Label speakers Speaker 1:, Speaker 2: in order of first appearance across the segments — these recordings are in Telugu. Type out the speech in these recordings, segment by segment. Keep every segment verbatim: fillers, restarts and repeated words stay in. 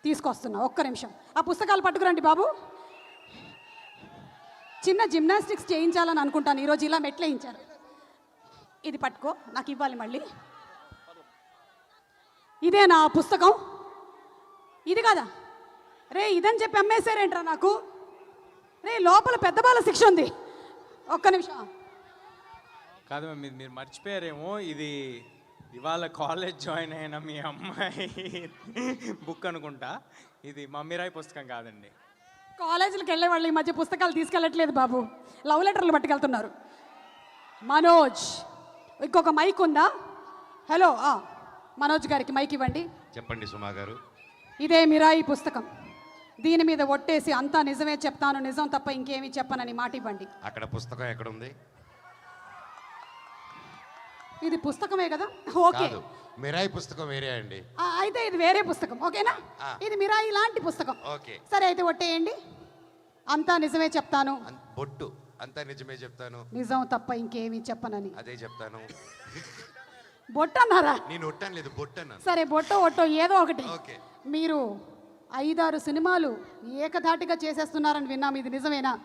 Speaker 1: తీసుకొస్తున్నా, ఒక్క నిమిషం. ఆ పుస్తకాలు పట్టుకురండి బాబు. చిన్న జిమ్నాస్టిక్స్ చేయించాలని అనుకుంటాను, ఈరోజు ఇలా మెట్లు వేయించారు. ఇది పట్టుకో, నాకు ఇవ్వాలి మళ్ళీ. ఇదే నా పుస్తకం, ఇది కదా రే, ఇదని చెప్పి అమ్మేశారేంట్రా నాకు. రే లోపల పెద్ద బాల శిక్ష ఉంది, ఒక్క నిమిషం.
Speaker 2: కాదు మీరు మీరు మర్చిపోయారేమో, ఇది ఇవాళ కాలేజ్ జాయిన్ అయిన మీ అమ్మాయి బుక్ అనుకుంటా. ఇది మమ్మీరాయ్ పుస్తకం కాదండి.
Speaker 1: కాలేజీలకు వెళ్ళే వాళ్ళు ఈ మధ్య పుస్తకాలు తీసుకెళ్ళట్లేదు బాబు, లవ్ లెటర్లు పట్టుకెళ్తున్నారు. మనోజ్, ఇంకొక మైక్ ఉందా? హలో, మనోజ్ గారికి మైక్ ఇవ్వండి.
Speaker 3: చెప్పండి సుమా గారు.
Speaker 1: ఇదే మిరాయి పుస్తకం, దీని మీద ఒట్టేసి అంతా నిజమే చెప్తాను, నిజం తప్ప ఇంకేమీ చెప్పనని మాట ఇవ్వండి.
Speaker 3: అక్కడ పుస్తకం ఎక్కడ ఉంది?
Speaker 1: ఇది పుస్తకమే కదా, ఓకే.
Speaker 3: మిరాయి పుస్తకం వేరే అండి.
Speaker 1: అయితే ఇది వేరే పుస్తకం, ఓకేనా? ఇది మిరాయి లాంటి పుస్తకం,
Speaker 3: ఓకే.
Speaker 1: సరే అయితే ఒట్టేయండి. అంతా నిజమే చెప్తాను,
Speaker 3: బొట్టు అంతా నిజమే చెప్తాను,
Speaker 1: నిజం తప్ప ఇంకేమీ చెప్పనని.
Speaker 3: అదే చెప్తాను.
Speaker 1: బొట్టు అన్నారా?
Speaker 3: నేను ఒట్టాను లేదు, బొట్టు అన్నాను.
Speaker 1: సరే బొట్టో ఒట్టో ఏదో ఒకటి.
Speaker 3: ఓకే.
Speaker 1: మీరు ఐదారు సినిమాలు ఏకధాటిగా చేసేస్తున్నారని విన్నాం, ఇది నిజమేనా?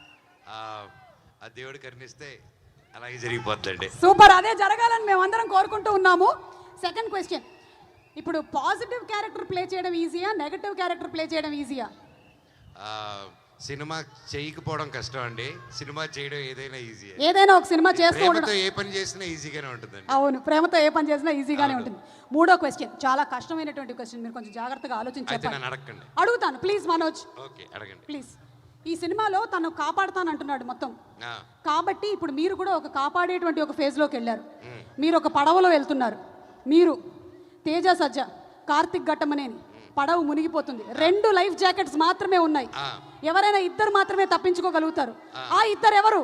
Speaker 3: ఆ దేవుడు కరుణిస్తే అలాగే జరిగిపోతుందండి.
Speaker 1: సూపర్, అదే జరగాలని మేమందరం కోరుకుంటూ ఉన్నాము. సెకండ్ క్వశ్చన్, ఇప్పుడు పాజిటివ్ క్యారెక్టర్ ప్లే చేయడం ఈజీయా, నెగటివ్ క్యారెక్టర్ ప్లే చేయడం ఈజీయా?
Speaker 3: సినిమా చేయకపోవడం కష్టం అండి, సినిమా చేయడం ఏదైనా ఈజీ.
Speaker 1: ఏదైనా ఒక సినిమా చేస్తూ
Speaker 3: ఉండడం, ఏ పని చేసినా ఈజీగానే ఉంటుందండి.
Speaker 1: అవును, ప్రేమతో ఏ పని చేసినా ఈజీగానే ఉంటుంది. మూడో క్వశ్చన్ చాలా కష్టమైనటువంటి క్వశ్చన్, మీరు కొంచెం జాగ్రత్తగా ఆలోచించి చెప్పండి.
Speaker 3: అడగండి.
Speaker 1: అడుగుతాను ప్లీజ్ మనోజ్.
Speaker 3: ఓకే, అడగండి
Speaker 1: ప్లీజ్. ఈ సినిమాలో తను కాపాడుతాను అంటున్నాడు మొత్తం, కాబట్టి ఇప్పుడు మీరు కూడా ఒక కాపాడేటువంటి ఒక ఫేజ్లోకి వెళ్ళారు. మీరు ఒక పడవలో వెళ్తున్నారు, మీరు తేజ సజ్జ, కార్తిక్ ఘట్టమనేని, పడవ మునిగిపోతుంది, రెండు లైఫ్ జాకెట్స్ మాత్రమే ఉన్నాయి, ఎవరైనా ఇద్దరు మాత్రమే తప్పించుకోగలుగుతారు. ఆ ఇద్దరు ఎవరు?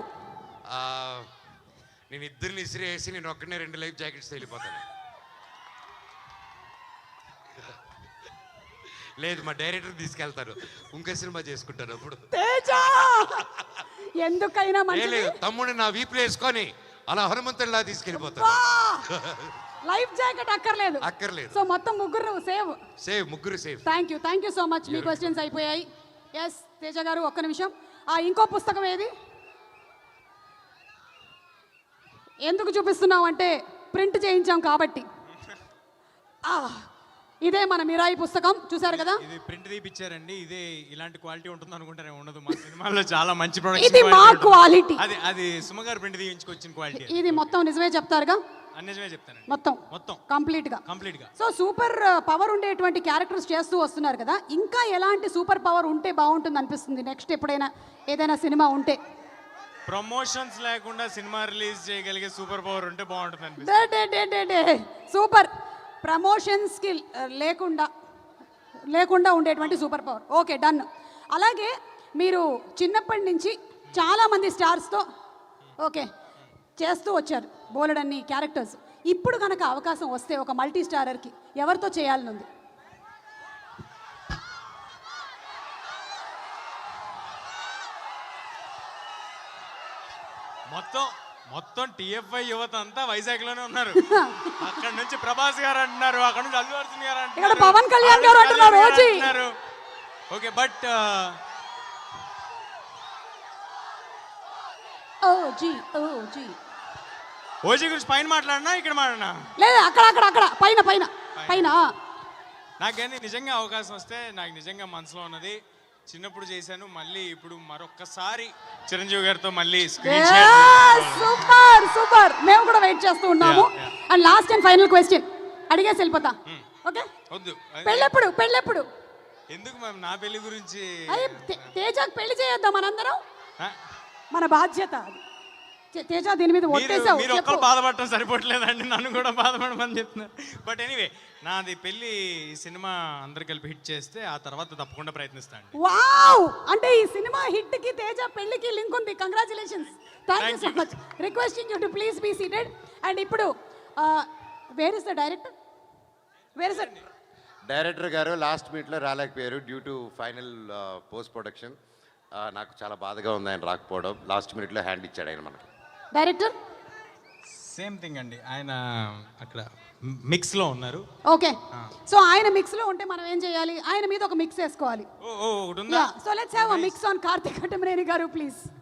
Speaker 3: నేను ఇద్దరిని ఇసిరేసి నేను ఒక్కనే రెండు లైఫ్ జాకెట్స్ వెళ్ళిపోతాను. లేదు, మా డైరెక్టర్ తీసుకెళ్తారు, ఇంకో సినిమా చేసుకుంటారు. అప్పుడు
Speaker 1: ఎందుకైనా
Speaker 3: తమ్ముడిని నా వీపులు వేసుకొని అలా హనుమంతుడిలా తీసుకెళ్ళిపోతారు.
Speaker 1: లైఫ్ జాకెట్ అక్కర్లేదు,
Speaker 3: అక్కర్లేదు.
Speaker 1: సో మొత్తం ముగ్గురు సేవ్.
Speaker 3: సేవ్, ముగ్గురు save.
Speaker 1: Thank you, thank you so much. మీ క్వశ్చన్స్ అయిపోయాయి. ఎస్ తేజ గారు, ఒక్క నిమిషం. ఆ ఇంకో పుస్తకం ఏది? ఎందుకు చూపిస్తున్నాం అంటే ప్రింట్ చేయించాం కాబట్టి. ఇదే మన మిరాయి పుస్తకం, చూసారు కదా.
Speaker 2: ఇది ప్రింట్ తీపిచ్చారండి, ఇదే ఇలాంటి క్వాలిటీ ఉంటుంది అనుకుంటారే, ఉండదు. మా సినిమాలో చాలా మంచి ప్రొడక్షన్,
Speaker 1: ఇది మా క్వాలిటీ.
Speaker 2: అది అది సుమగారు ప్రింట్ తీయించుకొచ్చిన క్వాలిటీ.
Speaker 1: ఇది మొత్తం నిజమే చెప్తారుగా?
Speaker 2: నిజమే చెప్తాను,
Speaker 1: మొత్తం
Speaker 2: మొత్తం
Speaker 1: కంప్లీట్ గా
Speaker 2: కంప్లీట్ గా.
Speaker 1: సో సూపర్ పవర్ ఉండేటువంటి క్యారెక్టర్స్ చేస్తూ వస్తున్నారు కదా, ఇంకా ఎలాంటి సూపర్ పవర్ ఉంటే బాగుంటుంది అనిపిస్తుంది నెక్స్ట్ ఎప్పుడైనా ఏదైనా సినిమా ఉంటే?
Speaker 2: ప్రమోషన్స్ లేకుండా సినిమా రిలీజ్ చేయగలిగే సూపర్ పవర్ ఉంటే బాగుంటుంది అనిపిస్తుంది.
Speaker 1: సూపర్ ప్రమోషన్స్ కి లేకుండా లేకుండా ఉండేటువంటి సూపర్ పవర్, ఓకే డన్. అలాగే మీరు చిన్నప్పటి నుంచి చాలా మంది స్టార్స్తో ఓకే చేస్తూ వచ్చారు, బోలెడన్ని క్యారెక్టర్స్. ఇప్పుడు కనుక అవకాశం వస్తే ఒక మల్టీ స్టారర్కి ఎవరితో చేయాలని ఉంది?
Speaker 2: మొత్తం మొత్తం టిఎఫ్ఐ యువత అంతా వైజాగ్ లోనే ఉన్నారు. అక్కడ నుంచి ప్రభాస్ గారు అంటున్నారు, అక్కడ నుంచి అల్లు అర్జున్ గారు అంటున్నారు,
Speaker 1: పవన్ కళ్యాణ్ గారు అంటున్నారు.
Speaker 2: ఓకే, బట్
Speaker 1: ఓజీ ఓజీ
Speaker 2: ఓజీ గురించి పైన మాట్లాడినా ఇక్కడ మాట్లాడినా?
Speaker 1: లేదు, అక్కడ అక్కడ అక్కడ పైన పైన పైన.
Speaker 2: నాకేంది నిజంగా అవకాశం వస్తే, నాకు నిజంగా మనసులో ఉన్నది, చిన్నప్పుడు చేశాను, మళ్ళీ ఇప్పుడు మరొక్కసారి చిరంజీవి గారితో మళ్ళీ
Speaker 1: సూపర్ సూపర్. మేము కూడా వెయిట్ చేస్తూ ఉన్నాము. And last and final question అడిగేసి వెళ్ళిపోతా, ఓకే?
Speaker 2: వద్దు,
Speaker 1: పెళ్ళెప్పుడు పెళ్ళెప్పుడు?
Speaker 2: ఎందుకు మ్యామ్, నా పెళ్లి గురించి?
Speaker 1: తేజకు పెళ్లి చేయొద్దాం మనందరం, మన బాధ్యత అది. తేజ దీని మీద ఒట్టేసావు,
Speaker 2: మీరు ఒక్కరు బాధపడటం సరిపోవట్లేదండి, నన్ను కూడా బాధపడమని చెప్తున్నారు. బట్ ఎనీవే, నాది పెళ్లి సినిమా అందరు కలిపి హిట్ చేస్తే ఆ తర్వాత తప్పకుండా ప్రయత్నిస్తాను.
Speaker 1: వావ్, అంటే ఈ సినిమా హిట్ కి తేజ పెళ్లికి లింక్ ఉంది. Congratulations, thank you so much. Requesting you to please be seated. And ఇప్పుడు where is the director? Where is the
Speaker 3: director గారు లాస్ట్ మీట్లో రాలేకపోయారు due to final post production. నాకు చాలా బాధగా ఉంది ఆయన రాకపోవడం. లాస్ట్ మినిట్లో హ్యాండ్ ఇచ్చాడు ఆయన మనకి.
Speaker 1: డైరెక్టర్
Speaker 2: సేమ్ థింగ్ అండి, ఆయన అక్కడ మిక్స్లో ఉన్నారు.
Speaker 1: ఓకే, సో ఆయన మిక్స్ లో ఉంటే మనం ఏం చేయాలి? ఆయన మీద ఒక మిక్స్ వేసుకోవాలి.
Speaker 2: ఓ ఓ ఒకటి ఉందా?
Speaker 1: So let's have a mix on Karthik Kattamaneni garu please.